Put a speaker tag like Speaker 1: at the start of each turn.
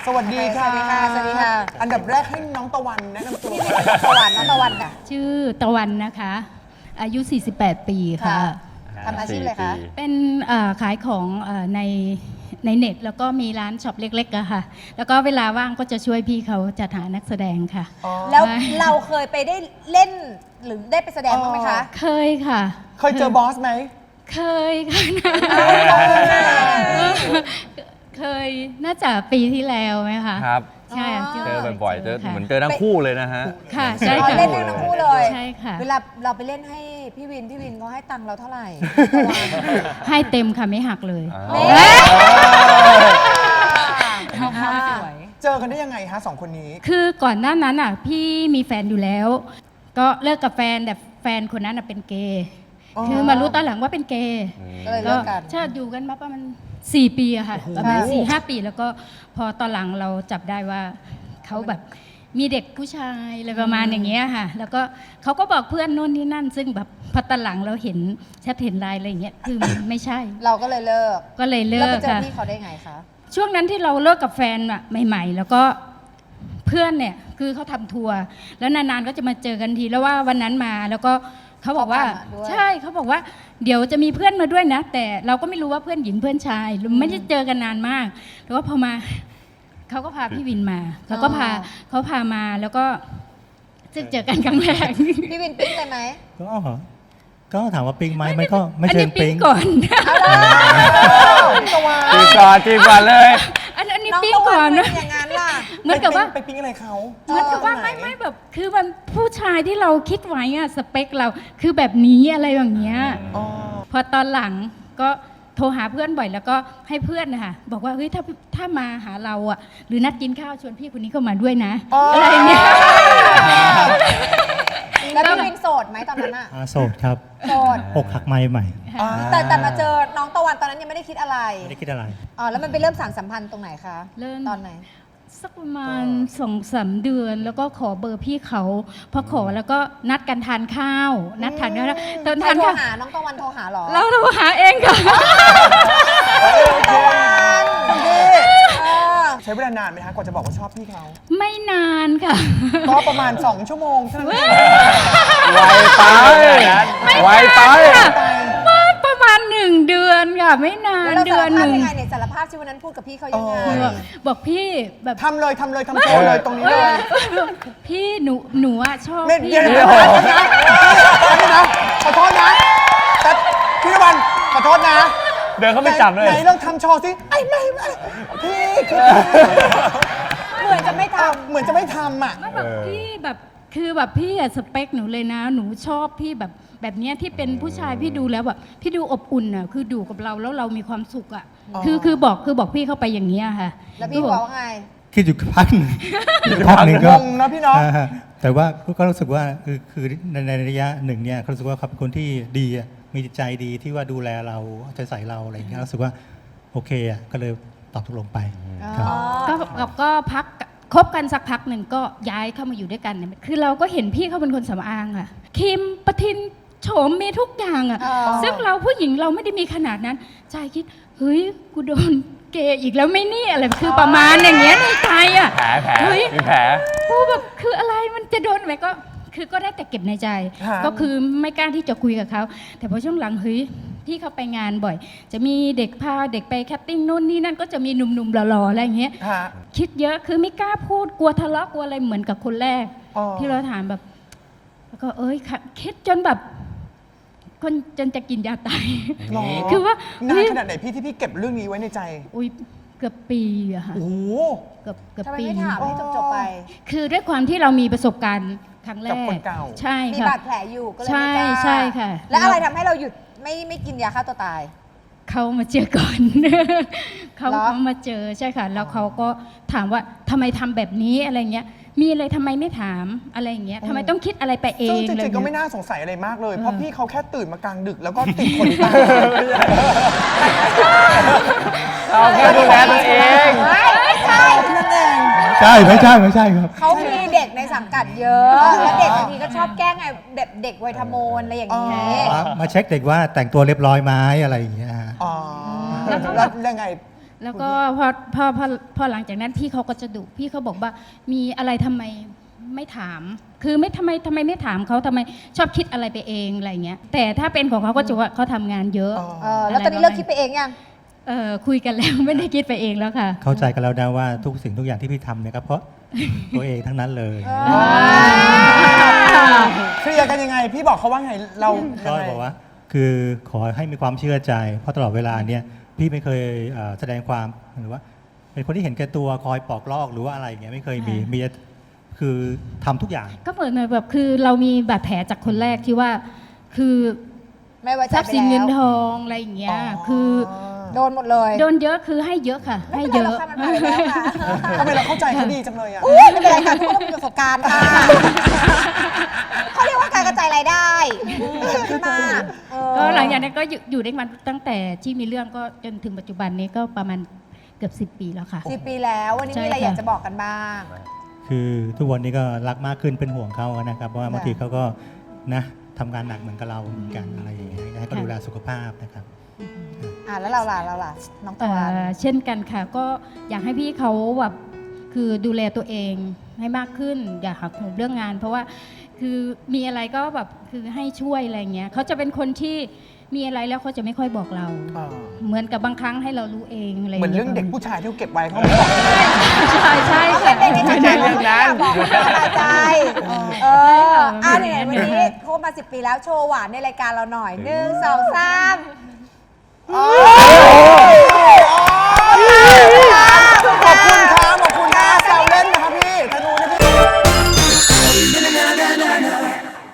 Speaker 1: สวัสดีค่ะ
Speaker 2: สวัสดีค่ะสวัสดีค่ะ
Speaker 1: อันดับแรกให้น้องตะวันแนะนำตัว
Speaker 2: ตะวันน้องตะวันค่ะ
Speaker 3: ชื่อตะวันนะคะ อายุ 48 ปีค่ะ
Speaker 2: ทำอาชีพอะไรคะ
Speaker 3: เป็นขายของในเน็ตแล้วก็มีร้านช็อปเล็กๆอะค่ะ แล้วก็เวลาว่างก็จะช่วยพี่เขาจัดหานักแสดงค่ะ
Speaker 2: แล้วเราเคยไปได้เล่นหรือได้ไปแสดงบ้างไหมคะ
Speaker 3: เคยค่ะ
Speaker 1: เคยเจอบอสไหม
Speaker 3: เคยค่ะ เคยน่าจะปีที่แล้วไหมคะ
Speaker 4: ครับ
Speaker 3: ใช่ะ
Speaker 4: เจอบ่อยๆเจอ
Speaker 3: ค่ะ
Speaker 4: เหมือนเจอทั้งคู่เลยนะฮะ
Speaker 3: ค่ะใช่
Speaker 2: อ๋อ
Speaker 3: ค่ะ
Speaker 2: เล่นเรื่องทั้งคู่เลย
Speaker 3: ใช่ค่ะ
Speaker 2: เวลาเราไปเล่นให้พี่วินเขาให้ตังค์เราเท่าไหร่
Speaker 3: ให้เต็มค่ะไม่หักเลย
Speaker 1: เจอกันได้ยังไงฮะสองคนนี้
Speaker 3: คือก่อนหน้านั้นอ่ะพี่มีแฟนอยู่แล้ว ก็เลิกกับแฟนแต่แฟนคนนั้นอ่ะเป็นเกย์
Speaker 1: อ๋อ
Speaker 3: คือมารู้ตอนหลังว่าเป็นเกย์
Speaker 2: ก็เลยเลิกกัน
Speaker 3: ใช่อยู่กันมาประมาณ4 ปีอะค่ะ
Speaker 1: โอ้โห
Speaker 3: ประมาณ4-5 ปีแล้วก็พอตอนหลังเราจับได้ว่าเขาแบบมีเด็กผู้ชายอะไรประมาณอย่างเงี้ยค่ะ แล้วก็เขาก็บอกเพื่อนโน่นนี่นั่น ซึ่งแบบพอตอนหลังเราเห็นแชทเห็นไลน์อะไรอย่างเงี้ยคือมันไม่ใช่
Speaker 2: เราก็เลยเลิก
Speaker 3: ก็เลยเลิ
Speaker 2: แล้วไป
Speaker 3: ก
Speaker 2: เจอ
Speaker 3: ค่ะ
Speaker 2: พี่เขาได้ไงคะ
Speaker 3: ช่วงนั้นที่เราเลิกกับแฟนอะใหม่ๆ แล้วก็เพื่อนเนี่ยคือเขาทำทัวร์แล้วนานๆก็จะมาเจอกันทีแล้วว่าวันนั้นมาแล้วก็เขาบอกว่า
Speaker 2: เขาพามาด้วย
Speaker 3: ใช่เขาบอกว่าเดี๋ยวจะมีเพื่อนมาด้วยนะ แต่เราก็ไม่รู้ว่าเพื่อนหญิงเพื่อนชายไม่ได้เจอกันนานมากแล้วก็พอมาเขาก็พาพี่วินมาเขาพามาแล้วก็ซึ่งเจอกันครั้งแรก
Speaker 2: พี่วินปิ๊งเลยไหม
Speaker 5: ก็ถามว่าปิ๊งไหมมันก็ไม่
Speaker 3: อัน
Speaker 5: เชิ
Speaker 3: นี้
Speaker 5: ง
Speaker 3: ปิ๊
Speaker 5: ปิ๊
Speaker 3: ง
Speaker 5: ง
Speaker 3: ก่อน
Speaker 1: ตะวัน
Speaker 4: จีบก่อนเลย
Speaker 3: อันนี้
Speaker 2: น้อง
Speaker 3: ปิ๊ง
Speaker 2: ตะวั
Speaker 3: ก่อน
Speaker 2: น
Speaker 3: นะ
Speaker 2: เป็นอย่างนั้นล่ะ
Speaker 3: เหมือนกับว่า
Speaker 1: ไปปิ๊งอะไรเขา
Speaker 3: เหมือนกับว่า
Speaker 1: ตรงไหน
Speaker 3: ไม่แบบคือมันผู้ชายที่เราคิดไว้อะสเปคเราคือแบบนี้อะไรอย่างเงี้ย
Speaker 1: อ๋อ
Speaker 3: พอตอนหลังก็โทรหาเพื่อนบ่อยแล้วก็ให้เพื่อนนะคะบอกว่าเฮ้ยถ้ามาหาเราอะหรือนัดกินข้าวชวนพี่คนนี้เข้ามาด้วยนะ
Speaker 1: อ๋ออ
Speaker 3: อะไรอย่างเงี้ย
Speaker 2: แล้วพี่วินโสดไหมตอนนั้นอะ
Speaker 5: โสดครับ
Speaker 2: โสด
Speaker 5: อกหักไม่ใหม่
Speaker 1: อ่า
Speaker 2: แต่มาเจอน้องตะวันตอนนั้นยังไม่ได้คิดอะไร
Speaker 5: ไม่ได้คิดอะไร
Speaker 2: อ๋อแล้วมันไปเริ่มสานสัมพันธ์ตรงไหนคะ
Speaker 3: เริ่ม
Speaker 2: ตอนไหน
Speaker 3: สักประมาณ2-3 เดือนแล้วก็ขอเบอร์พี่เขาพอขอแล้วก็นัดกันทานข้าว นัดทานข้าวตอน
Speaker 2: ใคร
Speaker 3: ทาน
Speaker 2: โทร
Speaker 3: ข้าว
Speaker 2: หาน้องตะวันโทรหาเหรอ
Speaker 3: เราโทรหาเองค่ะ
Speaker 2: ตะวัน
Speaker 1: ใช้เวลานานไหมฮะกว่าจะบอกว่าชอบพี่เขา
Speaker 3: ไม่นานค่ะ
Speaker 1: ก็ประมาณ 2 ชั่วโมงเท่านั้นเอง
Speaker 4: ไวไป
Speaker 3: ว่าประมาณ1 เดือนค่ะ ไม่นาน
Speaker 2: แล้วเรา
Speaker 3: เดื
Speaker 2: สา
Speaker 3: อ
Speaker 2: ร
Speaker 3: นห
Speaker 2: ภาพ
Speaker 3: นึ่ง
Speaker 2: ยังไงเนี่ยสารภาพที่วันนั้นพูดกับพี่เขายังไง
Speaker 3: บอกพี่แบบ
Speaker 1: ทำเลยทำโชว์เลยตรงนี้เลย
Speaker 3: พี่หนูอะชอบ
Speaker 1: เม็ด
Speaker 3: พี่
Speaker 1: เดียวนะขอโทษนะแต่พี่ตะวันขอโทษนะ
Speaker 4: เดินเข้าไปจับเลย
Speaker 1: ไหนลองทำโชว์สิไอ้ไม่พี่คือ
Speaker 2: เหมือนจะไม่ท
Speaker 1: เหมือนจะไม่ทำอ่ะ
Speaker 3: ไม่แบบพี่แบบคือแบบพี่อะสเปคหนูเลยนะ หนูชอบพี่แบบเนี้ยที่เป็นผู้ชายพี่ดูแล้วแบบพี่ดูอบอุ่นอะคือดูกับเราแล้วเรามีความสุขอะ
Speaker 1: อ๋อ
Speaker 3: คือบอกพี่เข้าไปอย่างเงี้ยค่ะ
Speaker 2: ำแล้วพี่บอกว่าไง
Speaker 5: คิดอยู่พักหนึ่งพักหนึ่ง
Speaker 1: ง
Speaker 5: ก็
Speaker 1: งนะพี่เนาะ
Speaker 5: แต่ว่าก็รู้สึกว่าคือในระยะหนึ่งเนี่ยเขารู้สึกว่าเขาเป็นคนที่ดีอะมีจิตใจดีที่ว่าดูแลเราเอาใจใส่เราอะไรอย่างเงี้ยรู้สึกว่าโอเคอะก็เลยตอบตกลงไปครับ
Speaker 3: ก็พักคบกันสักพักหนึ่งก็ย้ายเข้ามาอยู่ด้วยกันเนี่ยคือเราก็เห็นพี่เขาเป็นคนสำอางอะครีมประทินโฉมมีทุกอย่างอะ
Speaker 2: อ๋อ
Speaker 3: ซึ่งเราผู้หญิงเราไม่ได้มีขนาดนั้นใจคิดเฮ้ยกูโดนเกย์อีกแล้วไม่นี่อะไรคือประมาณอย่างเงี้ยในใจอะ
Speaker 4: แผล
Speaker 3: เฮ้ย
Speaker 4: มีแผล
Speaker 3: กูแบบคืออะไรมันจะโดนไหมก็ได้แต่เก็บในใจ
Speaker 1: ค่ะ
Speaker 3: ก็คือไม่กล้าที่จะคุยกับเขาแต่พอช่วงหลังเฮ้ยพี่เขาไปงานบ่อย จะมีเด็กพาเด็กไปแคสติ้งนู่นนี่นั่นก็จะมีหนุ่มๆหล่อๆอะไรอย่างเงี้ย
Speaker 1: ฮะ
Speaker 3: คิดเยอะคือไม่กล้าพูดกลัวทะเลาะกลัวอะไรเหมือนกับคนแรก
Speaker 1: อ๋อ
Speaker 3: ที่เราถามแบบ แล้วก็ค่ะคิดจนแบบคนจนจะกินยาตาย
Speaker 1: หรอ
Speaker 3: คือว่า
Speaker 1: นา
Speaker 3: เฮ้
Speaker 1: น
Speaker 3: ย
Speaker 1: ขนาดไหนพี่ที่พี่เก็บเรื่องนี้ไว้ในใจ
Speaker 3: อุ้ยเกือบปีอะค่ะ
Speaker 1: โอ้โห
Speaker 3: เกือบ
Speaker 2: ทำไม
Speaker 3: ปี
Speaker 2: ไม่ถามให้จบๆไป
Speaker 3: คือด้วยความที่เรามีประสบการณ์ครั้งแร
Speaker 1: กับ
Speaker 3: ก
Speaker 1: คนเก่า
Speaker 3: ใช่
Speaker 2: มี
Speaker 3: ค่ะ
Speaker 2: บาดแผลอยู่ก็เลย
Speaker 3: ใช่
Speaker 2: ไม่กล้า
Speaker 3: ใช่ค่ะ
Speaker 2: แล้วอะไรทำให้เราหยุดไม่กินยาฆ่าตัวตาย
Speaker 3: เขามาเจอก่อน เขา
Speaker 2: เหรอ
Speaker 3: มาเจอใช่ค่ะ แล้วเขาก็ถามว่าทำไมทำแบบนี้อะไรเงี้ย มีอะไรทำไมไม่ถามอะไรอย่างเงี้ยทำไมต้องคิดอะไรไปเอ
Speaker 1: ซึ่ง
Speaker 3: ง
Speaker 1: จ
Speaker 3: อะไร
Speaker 1: ริงๆก็
Speaker 3: เงี้
Speaker 1: ไม่
Speaker 3: ย
Speaker 1: น่าสงสัยอะไรมากเลย เพราะพี่เขาแค่ตื่นมากลางดึกแล้วก็ติดขนตา
Speaker 4: เราแค่ดูแลตัวเอง
Speaker 2: ไม่ใช่
Speaker 1: นั่นเอง
Speaker 5: ใช่ไม่ใช่ครับ
Speaker 2: เขามีเด็กในสังกัดเยอะ แล้วเด็กบางทีก็ชอบแกล้งไงแบบเด็กวัยทโมนอะไรอย่างนี้
Speaker 5: มาเช็คเด็กว่าแต่งตัวเรียบร้อยไหมอะไรอย่างเงี้ยฮะ
Speaker 1: อ๋อแล้วยังไง
Speaker 3: แล้วก็พอหลังจากนั้นพี่เขาก็จะดุพี่เขาบอกว่ามีอะไรทำไมไม่ถาม คือไม่ทำไมไม่ถามเขาทำไมชอบคิดอะไรไปเองอะไรเงี้ยแต่ถ้าเป็นของเขาก็จะว่าเขาทำงานเยอะ
Speaker 2: แล้วตอนนี้เลิกคิดไปเองยัง
Speaker 3: คุยกันแล้ว ไม่ได้คิดไปเองแล้วค่ะ
Speaker 5: เข้าใจกันแล้วนะว่าทุกสิ่งทุกอย่างที่พี่ทำเนี่ยก็เพราะ ตัวเองทั้งนั้นเลย
Speaker 1: เคลียร์กันยังไง พี่บอกเขาว่าไงเรา
Speaker 5: ก็
Speaker 1: ยังไง
Speaker 5: บอกว่าคือขอให้มีความเชื่อใจ เพราะตลอดเวลาเนี่ยพี่ไม่เคยแสดงความหรือว่า เป็นคนที่เห็นแก่ตัวคอยปอกลอกหรือว่าอะไรอย่างเงี้ยไม่เคยมีแต่คือทำทุกอย่าง
Speaker 3: ก็เหมือนแบบคือเรามีบาดแผลจากคนแรกที่ว่าคือ
Speaker 2: ไม่ไว้ใจ
Speaker 3: ทรัพย์สิน
Speaker 2: ไป
Speaker 3: เงิน
Speaker 2: แล้ว
Speaker 3: ทองอะไรอย่างเงี้ยคือ
Speaker 2: โดนหมดเลย
Speaker 3: โดนเยอะคือให้เยอะค่ะ ให้เยอะ
Speaker 2: ไม่เป็นไรหรอกค่ะมันผ่านไปแล้วค่ะ
Speaker 1: ทำไมเราเข้าใจเขาดีจังเลยอ่ะ
Speaker 2: อุ๊ยไม่เป็นไรค่ะทุกคนต้องมีประสบการณ์ค่ะเขาเรียกว่าการกระจายรายได้ขึ้นมา
Speaker 3: ก็หลังจากนั้นก็อยู่ด้วยกันตั้งแต่ที่มีเรื่องก็จนถึงปัจจุบันนี้ก็ประมาณเกือบ10 ปีแล้วค่ะ
Speaker 2: 10 ปีแล้ววันนี้มีอะไร
Speaker 3: ใช่ค่ะ
Speaker 2: อยากจะบอกกันบ้าง
Speaker 5: คือทุกวันนี้ก็รักมากขึ้นเป็นห่วงเขานะครับเพราะว่าบางทีเขาก็นะทำงานหนักเหมือนกับเราเหมือนกันอะไรอย่างเงี้ยให้เขาดูแลสุขภาพนะครับ
Speaker 2: แล้วเราล่ะน้องตะวัน
Speaker 3: เช่นกันค่ะก็อยากให้พี่เขาแบบคือดูแลตัวเองให้มากขึ้น อย่าหักโหมเรื่องงาน เพราะว่าคือมีอะไรก็แบบคือให้ช่วยอะไรเงี้ยเขาจะเป็นคนที่มีอะไรแล้วเขาจะไม่ค่อยบอกเรา เหมือนกับบางครั้งให้เรารู้เองอะไร
Speaker 1: เหมือน
Speaker 3: งี้ย
Speaker 1: เรื่องเด็กผู้ชายที่เขาเก็บไว้เขาไม่บอก
Speaker 3: ใช่
Speaker 2: เขา
Speaker 3: ค่ะ
Speaker 2: เป็นเด็กใน
Speaker 1: ไม่ใช่เรื่องนั้น
Speaker 2: บอกไม่สบายใจเนี่ยวันนี้คบมา10 ปีแล้วโชว์หวานในรายการเราหน่อย1 2 3